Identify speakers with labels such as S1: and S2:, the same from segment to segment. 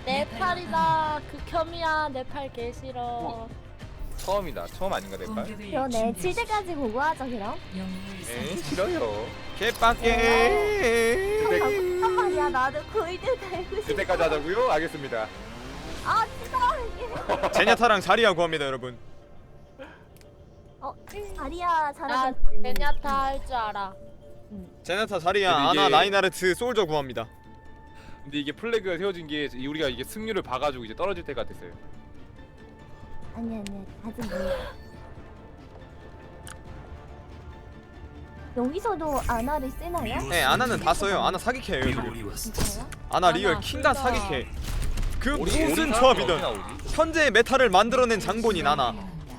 S1: 내 팔이다. 극혐이야. 내 팔 개 싫어.
S2: 처음이다. 처음 아닌가 내 말?
S3: 그러네. 7대까지 보고 하죠 그럼.
S2: 에이 싫어요.
S4: 개빡게.
S3: 잠깐만 말이야. 나도 골드 달고 싶어.
S2: 그때까지 하자고요? 알겠습니다.
S3: 아 진짜 이게.
S4: 제냐타랑 자리야 구합니다 여러분.
S3: 아리야
S1: 나
S3: 잘하고.
S1: 베냐타 할 줄 알아.
S4: 제냐타 자리야
S2: 근데 이게-
S4: 아나 라인하르트 솔저 구합니다.
S2: 근데 이게 플래그가 세워진 게 우리가 이게 승률을 봐가지고 이제 떨어질 때가 됐어요.
S3: 아니 아직 몰라. 여기서도 아나를 쓰나요?
S4: 네 아나는 다 써요. 아나 사기캐예요 지금.
S3: 진짜요?
S4: 아나 리얼
S1: 아나,
S4: 킹과
S1: 둘 다.
S4: 사기캐. 그 무슨
S2: 사람이
S4: 조합이든
S2: 어디 나오지?
S4: 현재의 메타를 만들어낸 장본인 아나.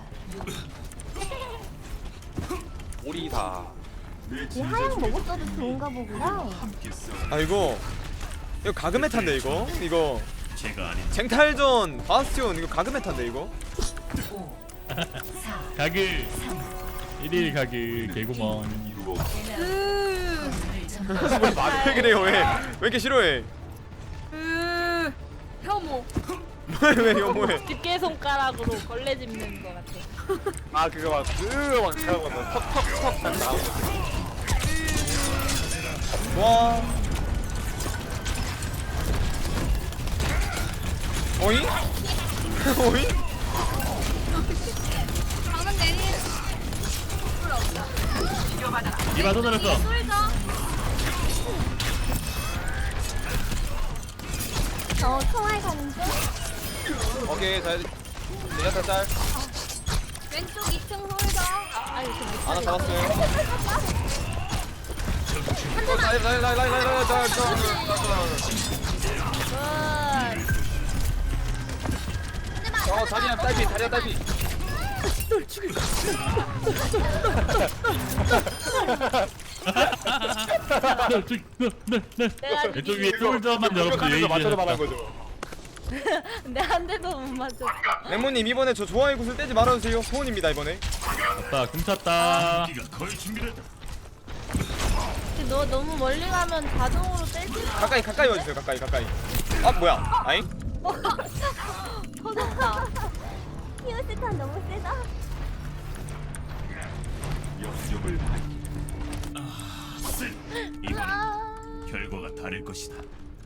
S2: 오리다.
S3: 이 하양 먹었어도 좋은가 보구나.
S4: 아 이거 가그 메타인데 이거 쟁탈전 바스티온 이거 가그 메타인데 이거.
S5: 가글 1일 가글 개구멍.
S4: 왜 그래요 왜 이렇게 싫어해?
S1: 혐오.
S4: 왜 혐오해?
S1: 집게 손가락으로 걸레 짚는 거 같아.
S2: 아 그거 막 턱턱턱 딱 나오고.
S4: 와. 어이? 어이?
S5: 이봐 또 들었어.
S3: 저 총알 가는 중.
S2: 오케이 잘. 내가 짤.
S3: 왼쪽 2층 홀더.
S4: 하나 잡았어요.
S2: 자리야 딸피 자리야 딸피.
S1: 내가
S5: 왼쪽 위에 솔저만 여러분들 예의
S2: 맞춰서 말한
S5: 주셨다.
S2: 거죠.
S1: 내 한 대도 못 맞췄어.
S4: 레몬님 이번에 저 좋아요 굿을 떼지 말아주세요. 소원입니다 이번에.
S5: 자, 금찼다.
S1: 근데 너 너무 멀리 가면 자동으로 떼지.
S4: 가까이 와주세요. 가까이. 아 뭐야? 아잉?
S1: 터졌다.
S3: 히오스탄 너무 세다.
S6: 결과가 다를 것이다.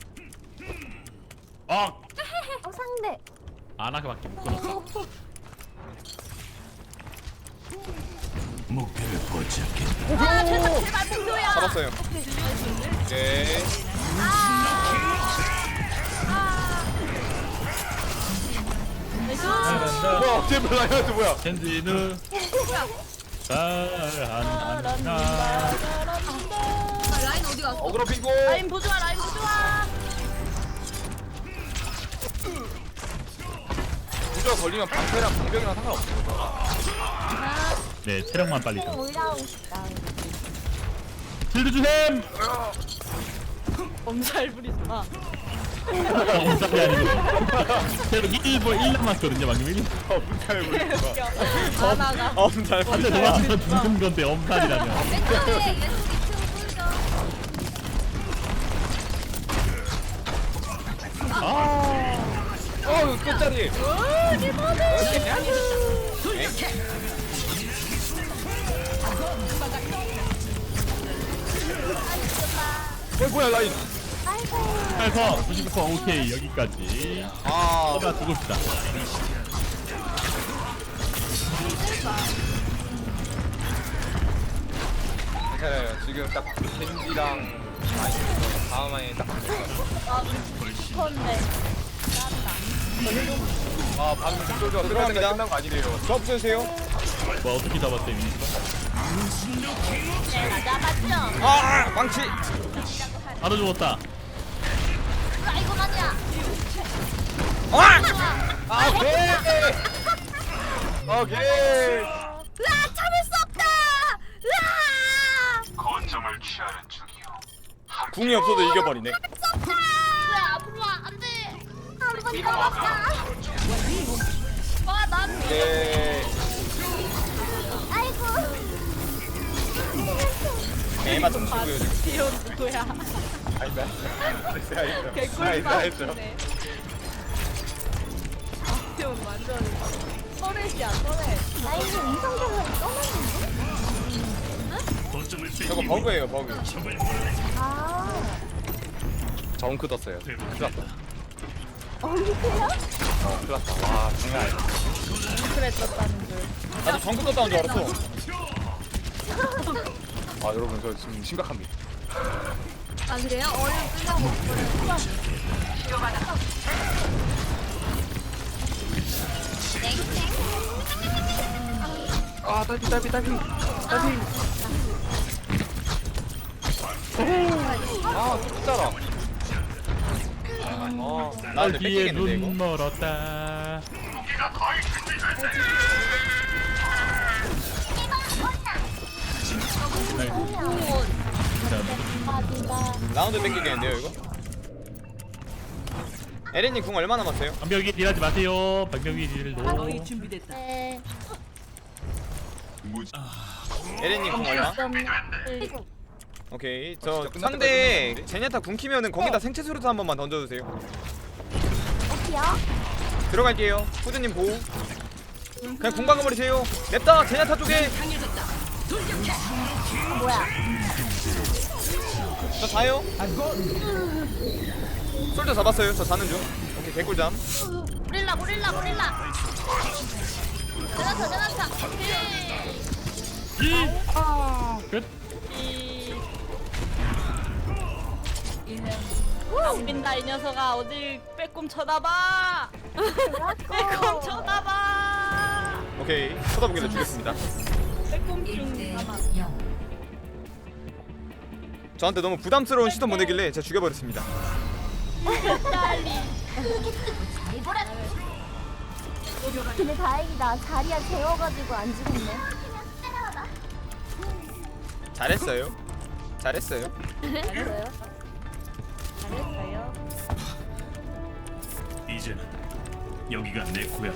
S3: 상대.
S5: 아나가밖에 못 끊었어.
S6: 목표를 포착했다.
S1: 아 제발 목표야.
S4: 잡았어요. 오케이.
S2: 뭐야 제발 나야지 뭐야.
S5: 켄지는 잘한다.
S1: 라인 어디 갔어?
S2: 어그로 피고.
S1: 라인 보조아 라인 보조아.
S2: 부저 걸리면 방패랑 방벽이랑 상관없어.
S5: 네, 체력만 빨리 좀.
S3: 올라오고 싶다.
S5: 힐드 주셈.
S1: 엄살 부리지 마.
S5: 엄살이 아니고. 체력 1 남았거든요, 방금 1.
S4: 엄살 부리지 마.
S1: 하나가.
S4: 엄살
S5: 한대
S4: 부리지 마.
S5: 도망쳐 죽는 건데 엄살이라면.
S3: 왼쪽에 왼쪽 2층 홀더.
S2: 어 끝자리. 뭐야 라인.
S5: 그래서 99% 오케이 여기까지.
S4: 아
S5: 나 두고 싶다.
S2: 괜찮아요. 지금 딱 겐지랑 다음 라인 딱.
S1: 건데.
S2: 아 방금 솔저가
S4: 들어갑니다.
S2: 끝난 거 아니래요.
S4: 조합 주세요.
S5: 뭐 어떻게 잡았대 미
S1: 내가 잡았죠.
S4: 아 망치.
S5: 바로 죽었다.
S1: 아이고만이야.
S2: 아 오케이. 오케이.
S1: 으아 참을 수 없다. 으아.
S6: 거점을 취하는 중이요.
S4: 궁이 없어도 이겨버리네.
S1: 으아 아프마 안돼. 한번 잡았다. 와난
S2: 오케이.
S3: 아이고.
S4: 개맛 좀 치고요 지금.
S1: 귀여운 누구야?
S2: 아니다.
S1: 개꿀
S2: 아니다.
S1: 같은데. 바스티온 완전 터렛이야 터렛.
S3: 라인이 인성적으로 떠났는데?
S6: 거점을
S4: 저거 버그예요 버그.
S3: 아,
S2: 정크 떴어요. 큰일 났다.
S3: 언제요?
S2: 큰일 났다. 와 장난 아니다.
S1: 그래 떴다는 줄.
S4: 나도 정크 떴다는 줄 알았어.
S2: 아 여러분 저 지금 심각합니다.
S3: 아, 그래요? 얼른 끝나고.
S2: 아 딸피. 아 진짜라.
S4: 나 근데
S5: 뒤에
S4: 뺏기겠는데
S5: 눈
S4: 이거.
S5: 멀었다.
S4: 라운드 뺏기겠는데요 이거. 에렌님 궁 얼마 남았어요?
S5: 방벽이 딜하지 마세요. 방벽이 딜도.
S1: 네.
S4: 에렌님 궁 얼마? 오케이 저
S2: 진짜 끝날
S4: 상대
S2: 때까지 끝났는데?
S4: 제냐타 궁 키면은 거기다 생체 수류탄 한 번만 던져주세요.
S3: 어디야?
S4: 들어갈게요. 후드님 보호. 그냥 궁 박아버리세요. 냅다 제냐타 쪽에.
S3: 뭐야?
S4: 저 자요. 솔저 잡았어요. 저 자는 중. 오케이 개꿀잠.
S1: 고릴라. 전화타.
S5: 끝.
S1: 안 빈다 이 녀석아 어딜 빼꼼 쳐다봐. 빼꼼 쳐다봐.
S4: 오케이 쳐다보기를 주겠습니다.
S1: 빼꼼 중 아마.
S4: 저한테 너무 부담스러운 시선 보내길래 제가 죽여버렸습니다.
S1: 딸리.
S3: 근데 다행이다. 자리야 재워가지고 안 죽었네.
S4: 잘했어요. 잘했어요.
S3: 잘했어요.
S1: 잘했어요.
S6: 이제는 여기가 내 고향.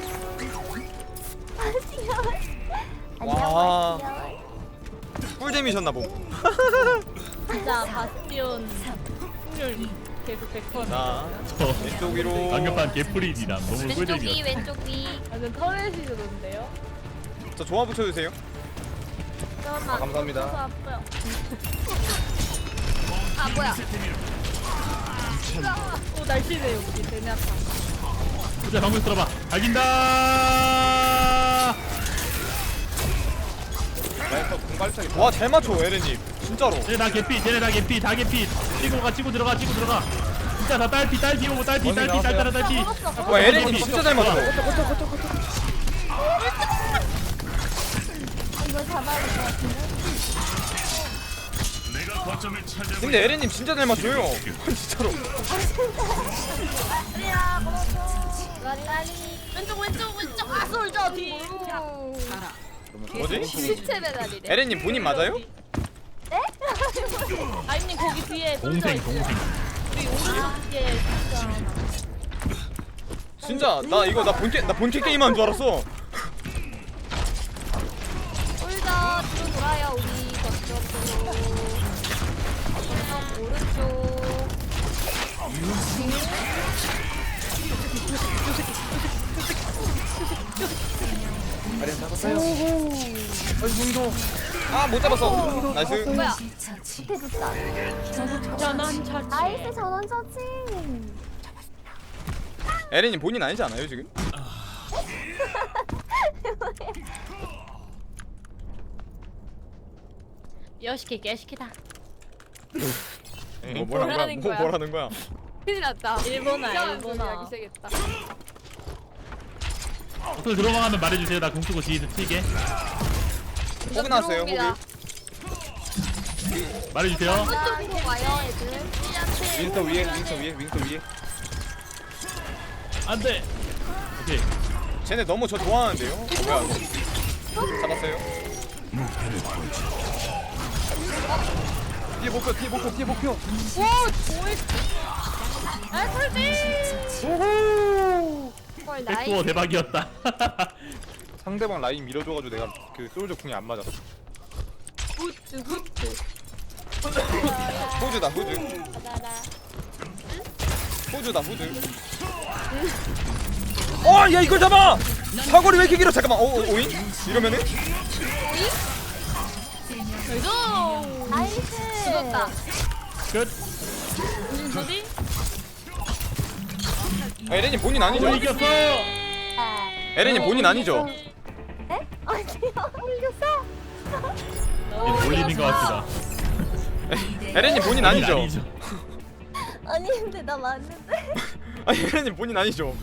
S4: 와. 꿀잼이셨나 봄.
S1: 진짜 바스티온 승률 계속 100%.
S4: 자
S5: 저
S4: 왼쪽 위로.
S5: 방금판 개프리디랑 너무
S3: 왼쪽 위,
S5: 꿀잼이었어.
S3: 왼쪽 위.
S1: 완전 터렛이던데요?
S4: 저 조화 붙여주세요.
S1: 잠깐만.
S2: 감사합니다.
S1: 아파요.
S3: 아, 뭐야?
S1: 오 날씬해요 우리 제냐타.
S5: 자 방금 들어봐. 갈긴다.
S2: 라이터 공갈차기.
S4: 와 잘 맞춰 에렌님. 진짜로.
S5: 쟤네 다 개피. 다 개피. 치고 들어가. 진짜 다 딸피 오고 딸피.
S4: 와 에렌님 진짜 잘 맞춰.
S3: 이거 잡아야 될 것 같은데?
S6: 내가 거점을 찾아.
S4: 근데 에렌님 진짜 잘 맞춰요. 진짜로.
S1: 왼쪽 아 솔져 뒤.
S4: 뭐지?
S1: 시체 배달이래.
S4: 에렌님 본인 맞아요?
S1: 아이님 거기 뒤에 솔져
S5: 동생.
S1: 있어요. 우리 오른쪽에 솔져 하나.
S4: 진짜 나 이거 나 본캐 게임한 줄 알았어.
S3: 솔더 뒤로 돌아요. 우리 저쪽으로. 저쪽 오른쪽.
S2: 아리안 잡았어요.
S4: 아 못 잡았어. 나이스.
S3: 뭐야? 밑에 줬다.
S1: 전원 처치.
S3: 나이스 전원 처치.
S4: 에렌님 본인 아니지 않아요 지금?
S1: 여시키 개시키다.
S4: 뭐 뭐라는 거야? 뭐라는 거야?
S1: 큰일 났다. 일본어.
S3: 시작했다.
S5: 어떻게 들어가면 말해주세요. 나 공 쓰고 뒤에서 튀게.
S4: 호그 나왔어요 호그.
S5: 말해주세요.
S3: 이쪽으로 와요, 애들.
S2: 윈스터 위에.
S5: 안돼. 오케이.
S4: 쟤네 너무 저 좋아하는데요? 뭐야 이거? 잡았어요.
S2: 뒤에 목표.
S1: 오 조이. 아 솔지.
S3: 헐,
S5: 백도어 대박이었다.
S2: 상대방 라인 밀어줘가지고 내가 그 솔저 궁이 안 맞았어.
S1: 후트.
S4: 호주다 호주.
S1: 나라.
S4: 호주다 호주. 야 이걸 잡아. 사거리 왜 이렇게 길어? 잠깐만. 오잉? 이러면은
S3: 나이스.
S1: 죽었다.
S5: 끝.
S1: 무슨 소리?
S4: 에렌님 본인 아니죠?
S5: 이겼어.
S4: 에렌님 본인 아니죠?
S3: 네? 아니요. 이겼어.
S5: 몰리는 것 같습니다.
S4: 에렌님 본인 아니죠?
S3: 아니 근데 나 맞는데.
S4: 아니 에렌님 본인 아니죠?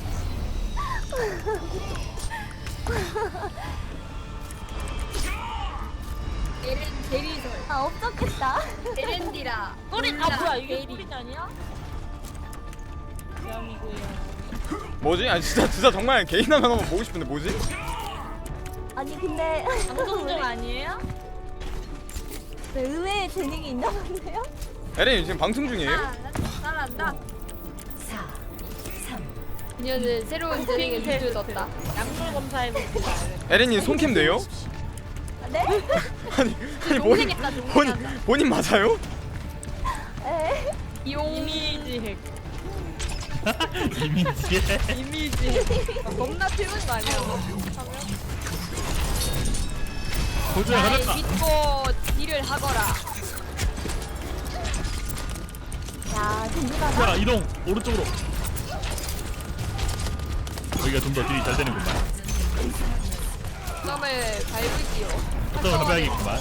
S1: 대리설.
S3: 아 없었겠다.
S1: 에렌디라. 꼬리 아 뭐야 이게 꼬리 아니야? 미안이고요.
S4: 뭐지? 아니 진짜 정말 개인 화면 한번 보고 싶은데 뭐지?
S3: 아니 근데
S1: 방송중 아니에요?
S3: 네, 의외의 재능이 있나 본데요?
S4: 에렌님 지금 방송 중이에요?
S1: 잘한다. 그녀는 새로운 재능을 들었다. 약물 검사해봅시다.
S4: 에렌님 손캠 돼요?
S3: 네?
S4: 아니
S1: 동생했다,
S4: 본인 맞아요?
S3: 에?
S1: 이미지 핵.
S5: 이미지에.
S1: 이미지 핵. 겁나 튀는 거 아니야?
S5: 도저히 가졌다.
S1: 믿고 딜을 하거라.
S3: 야 든든하다.
S5: 자 이동 오른쪽으로. 여기가 좀 더 딜이 잘 되는구만.
S1: 점을 밟을게요.
S5: 좀 가봐야겠구만.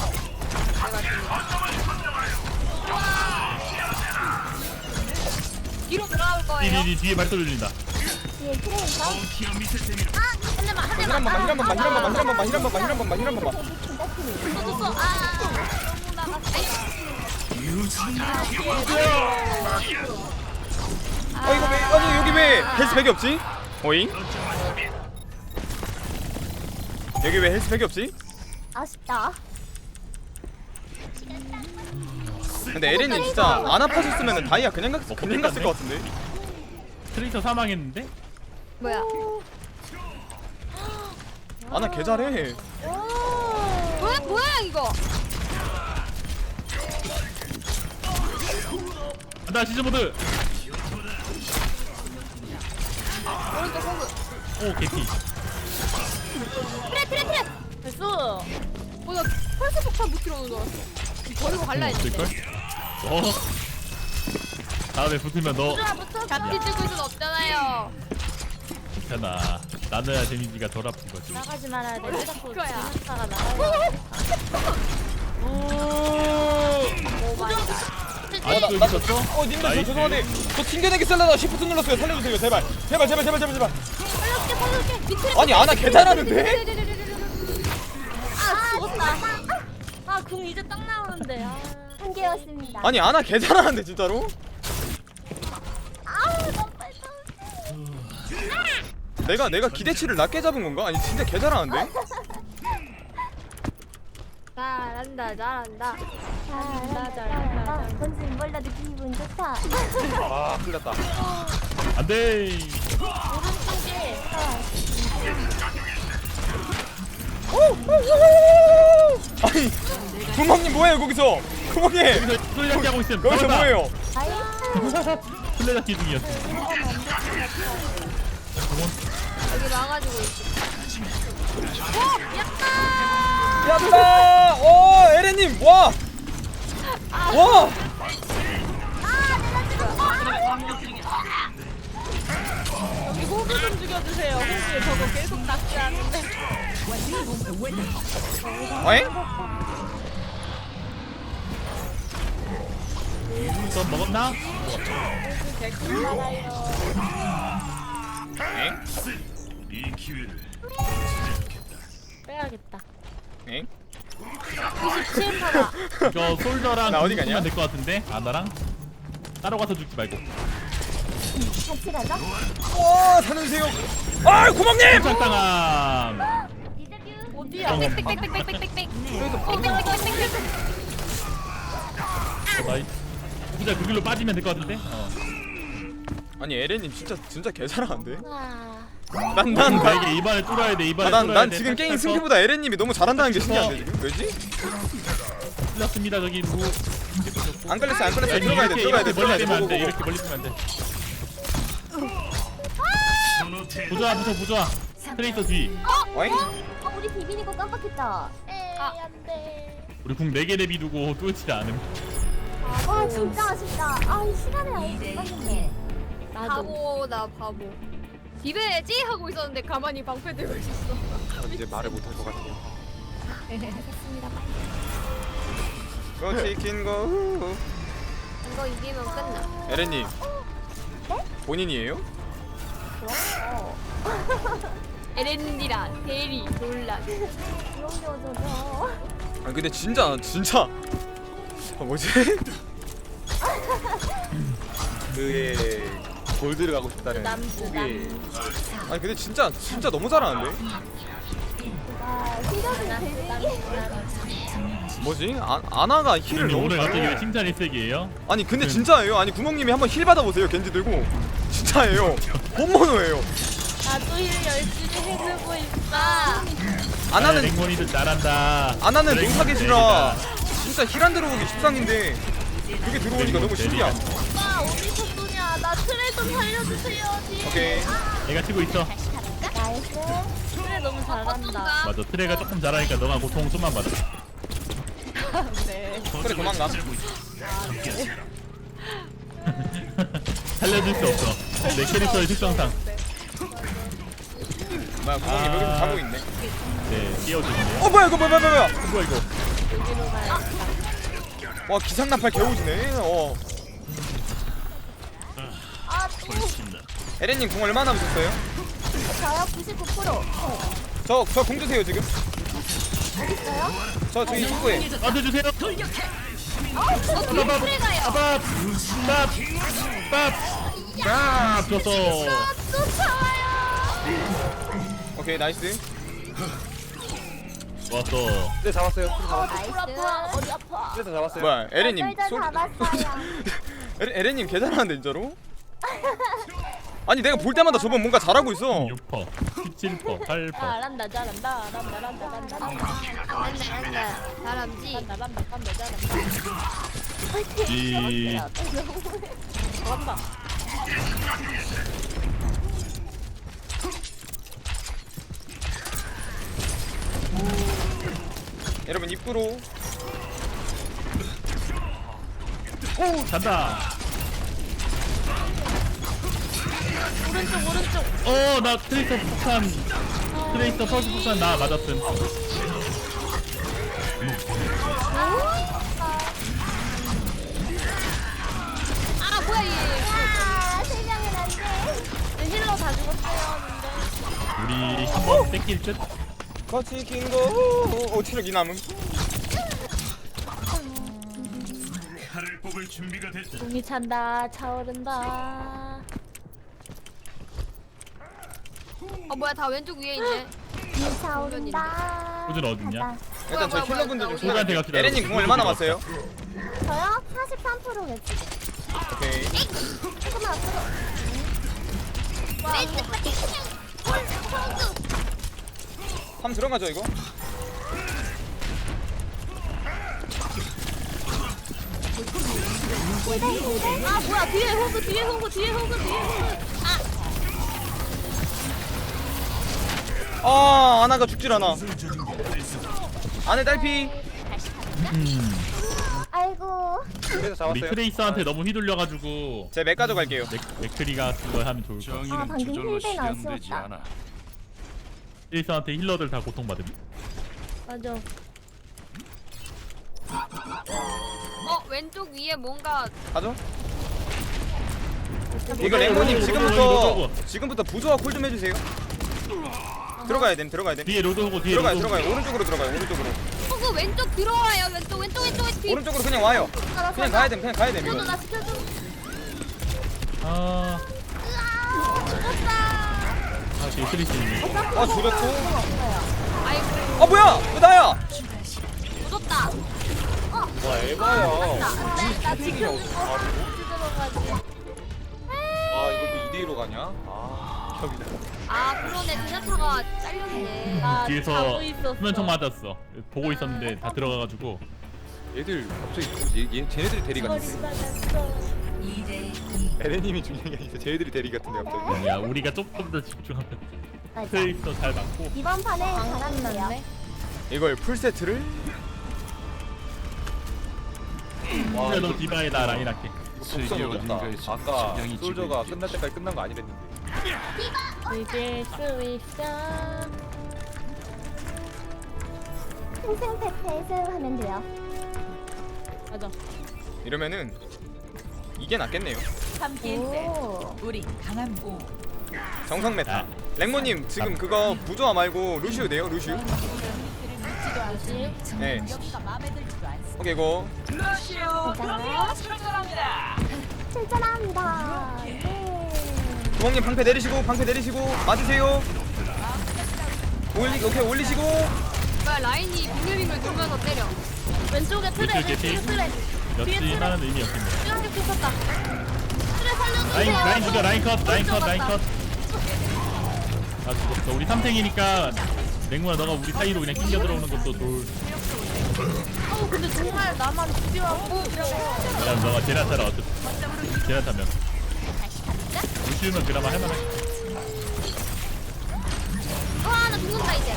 S1: 뒤로 돌아올 거예요.
S5: 뒤에 발소리 들린다.
S3: 뒤에 트레이서.
S6: 티어 밑에 재미로
S4: 힐 한 번만 힐 한 번만 힐 한 번만 힐 한 번만 힐 한 번만 힐 한 번만 힐 한 번만
S1: 너무 나갔어.
S4: 이거 왜 아니 여기 왜 헬스백이 없지? 오잉? 여기 왜 헬스백이 없지?
S3: 아쉽다.
S4: 근데 에렌님 진짜 안 아파졌으면 다이아 그냥 갔을 것 같은데.
S5: 트레이서 사망했는데?
S1: 뭐야?
S4: 아나 개 잘해.
S1: 뭐야 이거?
S5: 나 시즈 모드.
S1: 오른쪽 호그.
S5: 오 개피.
S1: 트레. 됐어. 나 펄스 폭탄 못 들어오는 줄 알았어. 버리고 갈라
S5: 없을걸?
S1: 했는데.
S5: 다음에 붙으면 너
S1: 잡기 들고 있을 수 없잖아요.
S5: 괜찮아. 나눠야 데미지가 덜 아픈 거지.
S1: 나가지 말아야 돼. 왜 자꾸
S3: 거야.
S1: 진흙사가 나가야
S5: 아직도
S4: 나-
S5: 있었어?
S4: 님들 저
S5: 나이스.
S4: 죄송한데 저 튕겨내기 셀라다 시프트 눌렀어요. 살려주세요 제발. 제발.
S3: 살려줄게. 밑에.
S4: 아니 아나 개 잘하는데?
S3: 아 죽었다.
S1: 아궁 이제 딱 나오는데.
S3: 한 개였습니다.
S4: 아니 아나 개 잘하는데 진짜로?
S3: 너무 빨리.
S4: 내가 기대치를 낮게 잡은 건가? 아니 진짜 개 잘하는데?
S1: 잘한다.
S3: 잘한다. 뭔지 몰라도 기분 좋다.
S4: 아 큰일났다.
S5: 안돼.
S1: 오른쪽에
S4: 아니 구멍님 뭐해요 거기서? 구멍님
S5: 여기서 플레이잡기 하고 있음.
S4: 거기서
S5: 잡았다.
S4: 뭐해요?
S3: 나이스.
S5: 플레이잡기 중이었어.
S1: 여기 와가지고 있어.
S4: 야다! 오 에렌님 와! 와!
S1: 여기 호그 좀 죽여주세요. 호그 저거 계속 낚시하는데.
S4: 어잉?
S5: 또 먹었나?
S1: 호그 개꿀 살아요.
S4: 엥?
S6: 이 기회를
S1: 빼야겠다.
S4: 엥?
S1: 27 팔아.
S5: 이거 솔저랑
S4: 나 어디 가냐?
S5: 붙으면 될 것 같은데? 아나랑? 따로 가서 죽지 말고.
S3: 같이 가자.
S4: 와 살려주세요. 아 구멍님!
S5: 착당함.
S1: 어디야?
S3: 빽빽빽빽빽빽.
S5: 나이. 진짜 그 길로 빠지면 될 것 같은데?
S4: 아니 에렌님 진짜 개 잘하는데?
S1: 아,
S4: 난
S5: 나에게 입안을 뚫어야 돼. 입안을 뚫어야
S4: 난
S5: 돼.
S4: 지금 게임
S5: 탈탈
S4: 승기보다 에렌님이 너무 잘한다는 게 신기한데 지금 왜지?
S5: 틀렸습니다. 저기 누구?
S4: 안 걸렸어 안 걸렸어
S5: 야,
S4: 들어가야 돼
S5: 이렇게
S4: 들어가야 돼
S5: 멀리
S4: 들어가야 돼
S5: 빼면 안 돼.
S4: 고고고.
S5: 이렇게 멀리 빼면 안 돼. 부조화 부조화. 트레이서 뒤.
S4: 어잉?
S3: 우리 비비니 거 깜빡했다.
S1: 안돼.
S5: 우리 궁 4개 내비두고 뚫지 않음.
S3: 아 진짜 아쉽다. 이 시간을 아예 못 봤는데.
S1: 바보 나 바보. 비벼야지 하고 있었는데 가만히 방패 들고 있었어.
S2: 이제 말을 못할 것 같아요.
S3: 됐습니다.
S4: 고 치킨 고.
S1: 이거 이기면 끝나.
S4: 에렌님. 본인이에요?
S1: 에렌디라 대리 논란.
S3: 귀여워져서.
S4: 아 근데 진짜 뭐지?
S2: 그의 골드를 가고 싶다는
S1: 남주
S4: 아니 근데 진짜 너무 잘하는데?
S3: 실력이 되게.
S4: 뭐지? 아나가 힐을
S5: 근데
S4: 너무
S5: 오늘 갑자기 왜
S4: 잘해.
S5: 칭찬이 세게예요?
S4: 아니 근데 진짜예요. 아니 구멍님이 한번 힐 받아보세요. 겐지 들고 진짜예요. 본모노예요.
S1: 나도 일 열심히 해주고 있어.
S4: 아나는
S5: 랭몬이도 잘한다.
S4: 아나는
S5: 랭몬
S4: 농사계시라
S5: 대리다.
S4: 진짜 힐 안 들어오기 십상인데 그게 들어오니까 너무 신기함.
S1: 오빠 어디서 쏘냐? 나 트레 좀 살려주세요.
S4: 오케이.
S5: 내가 치고 있어.
S3: 나이스.
S1: 트레 너무 잘한다.
S5: 맞아. 트레가 조금 잘하니까 너가 고통 좀만 받아.
S1: 네.
S4: 그래 도망가.
S5: 살려줄 수 없어. 내 캐릭터의 특성상.
S4: 뭐야 구멍님 여기서 자고 있네.
S5: 네, 끼워주시네요.
S4: 뭐야 이거 뭐야
S5: 뭐야 이거?
S4: 와 기상나팔 개오지네. 에렌님 공 얼마나 남으셨어요?
S3: 저요 99%.
S4: 저 공 주세요 지금.
S3: 있어요?
S4: 저 저기 입구에.
S5: 나한테 주세요. 밥 줬어.
S4: 오케이 나이스.
S5: 좋았어.
S2: 네 잡았어요.
S3: 나이스.
S1: 어디 아파?
S2: 그래서 잡았어요.
S4: 뭐야 에렌님
S3: 쫄쫄
S4: 소리.
S3: 잡았어요.
S4: 에렌님 개 잘하는데 진짜로? 아니 내가 볼 때마다 저번 뭔가 잘하고 있어.
S5: 6퍼, 17퍼, 8퍼.
S1: 잘한다 잘한다 잘함지.
S5: 이
S1: 잘한다.
S4: 여러분 입구로.
S5: 오 잔다.
S1: 오른쪽.
S5: 나 트레이서 폭탄. 트레이서 퍼스 폭탄 나 맞았음.
S1: 아 뭐야 얘.
S3: 세 명은 안 돼.
S1: 힐러 다 죽었어요.
S5: 우리 한번 뺏길 듯.
S4: 같이 긴거. 체력 이 남음.
S6: 칼을 뽑을 준비가 됐다.
S1: 공이 찬다 차오른다. 뭐야 다 왼쪽 위에 있네.
S3: 차오른다.
S5: 호준 어딨냐?
S4: 일단 저
S1: 뭐야,
S4: 힐러분들 좀
S5: 소주한테 갑시다.
S4: 에렌님 공 얼마나 남았어요?
S3: 저요 43%겠지.
S4: 오케이.
S3: 조금만 앞으로.
S4: 한번 들어가죠 이거.
S1: 아 뭐야 뒤에 호그 뒤에 호그 뒤에 호그 뒤에 호그.
S4: 아나가 죽질 않아. 안에 딸피.
S3: 아이고.
S2: 그래서
S5: 우리
S2: 잡았어요.
S5: 트레이서한테 너무 휘둘려가지고
S4: 제 맥 가져갈게요.
S5: 맥크리가 그걸 하면 좋을 것 같아.
S6: 정의는
S3: 방금
S6: 저절로
S3: 힐벤 안
S6: 실현되지
S3: 쓰웠다.
S6: 않아.
S5: 트레이서한테 힐러들 다 고통받음.
S1: 맞아. 왼쪽 위에 뭔가
S4: 가죠. 이거 레몬님 지금부터 부조화 콜 좀 해주세요. 들어가야 됨.
S5: 뒤에 로드 오고 뒤에
S4: 들어가요.
S5: 로드 오고.
S4: 오른쪽으로 들어가요.
S1: 호그 왼쪽 들어와요. 왼쪽 뒤.
S4: 오른쪽으로 그냥 와요. 그냥 가야 됨. 이거.
S1: 나 시켜줘.
S5: 뒤에 트레이서님이.
S4: 죽였고.
S1: 아이고
S4: 뭐야? 왜 나야?
S1: 묻었다.
S2: 와 에바야.
S1: 나 지켜주고 들어가지.
S2: 이것도 2대1로 가냐? 협이다.
S1: 그러네 제나타가 잘렸네.
S5: 뒤에서 수면총 맞았어. 보고 있었는데 다 들어가가지고.
S2: 얘들 갑자기 쟤네들이 대리 같은데. 에레님이 중요한 게 아니라 쟤들이 대리 같은데 갑자기.
S5: 야 우리가 조금 더 집중하면
S3: 맞아.
S5: 트레이서 잘 맞고.
S3: 이번 판에 잘하는데요.
S1: 났네.
S4: 이걸 풀세트를
S2: 와,
S5: 그래 너 디바에다 라인 할게.
S2: 속선 오졌다. 아까 솔저가 끝날 때까지 끝난 거 아니랬는데.
S1: 이길 수 있어.
S3: 탱탱패패스 하면 돼요.
S1: 맞아.
S4: 이러면은 이게 낫겠네요.
S3: 오.
S7: 우리 강한 오
S4: 정상 메타. 랭모님 지금 그거 부조화 말고 루시우 돼요? 루시우? 네.
S7: 여기가 마음에 들지도 않습니다.
S4: 오케이 고.
S3: 자, 출전합니다. 네.
S4: 주먹님 방패 내리시고 맞으세요. 오케이 올리시고.
S1: 그러니까 라인이 빙글빙글 돌면서 때려. 왼쪽에 트레,
S5: 왼쪽에
S1: 왼쪽에
S5: 피.
S1: 트레.
S5: 였지만은 의미 없겠네.
S1: 쭈랑님 pis었다. 트레 살려주세요.
S5: 라인 죽여 라인 컷. 아 죽었어. 우리 3탱이니까 맹무야 너가 우리 사이로 그냥 끼겨 들어오는 것도 좋을.
S1: 근데 정말 나만 죽여갖고.
S5: 그다음 너가 제라타라 어차피 제라타면. 루시우면 그나마 할만해.
S1: 와, 나 죽는다 이제.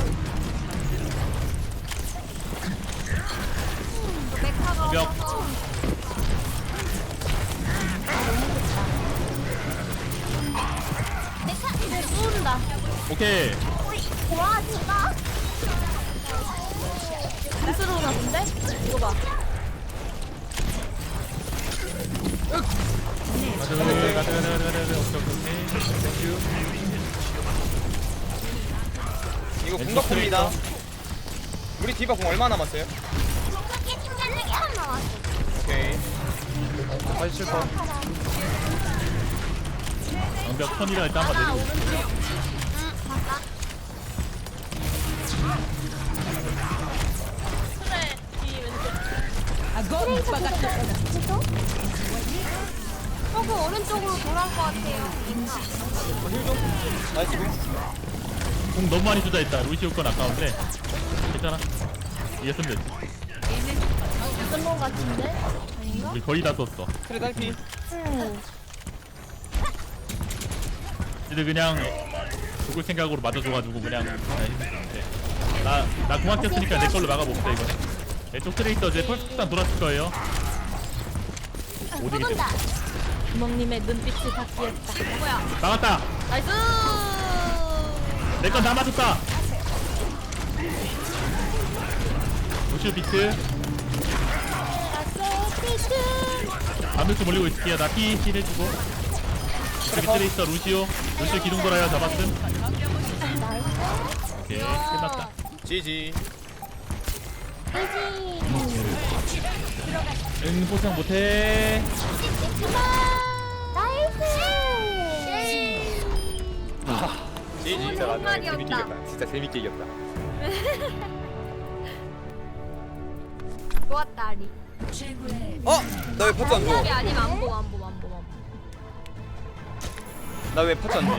S1: 메카가
S5: 몇.
S1: 없어서. 이제 쏜다.
S5: 오케이.
S3: 와, 진짜?
S1: 스스로 나쁜데? 이거 봐.
S5: 가자. 오케이.
S4: 이거 공격합니다. 우리 디바 공 얼마 남았어요?
S3: 이게 팀장님이 한 나왔어.
S4: 오케이.
S2: 87%.
S5: 방벽 턴이라 일단 한번 내리고.
S1: 봤다. 트레 뒤 왼쪽.
S7: 아고 오빠가
S3: 그래서?
S1: 그 오른쪽으로 돌아올 것 같아요.
S4: 나이스 공.
S5: 공 너무 많이 주다 했다. 루시오 건 아까운데 괜찮아. 이겼으면 됐지.
S1: 무슨 거 같은데?
S5: 우리 거의 다 썼어.
S4: 트레 딸피.
S5: 이들 그냥 죽을 생각으로 맞아줘가지고 그냥 힘들었는데. 나 공학 꼈으니까 내 걸로 막아봅시다 이거. 왼쪽 트레이서 이제 펄스탄 돌았을 거예요. 못 이기죠.
S3: 쏜다.
S1: 주먹님의 눈빛이 바뀌었다. 뭐야?
S5: 막았다.
S1: 나이스!
S5: 내 건 다 맞았다. 루시오 비트. 반백수 몰리고 있을게요. 나 피 힐해주고. 여기 트레이서 루시오 기둥 돌아요. 잡았음. 오케이 끝났다.
S4: GG.
S5: 응 포상 못해.
S4: GG.
S2: 진짜 나중에
S1: 정말이었다.
S2: 재밌게 이겼다. 진짜 재밌게 이겼다.
S1: 좋았다, 아리.
S4: 나 왜 파츠 안 줘?
S1: 아니, 아니면 안 보.
S4: 나 왜 파츠 안 줘?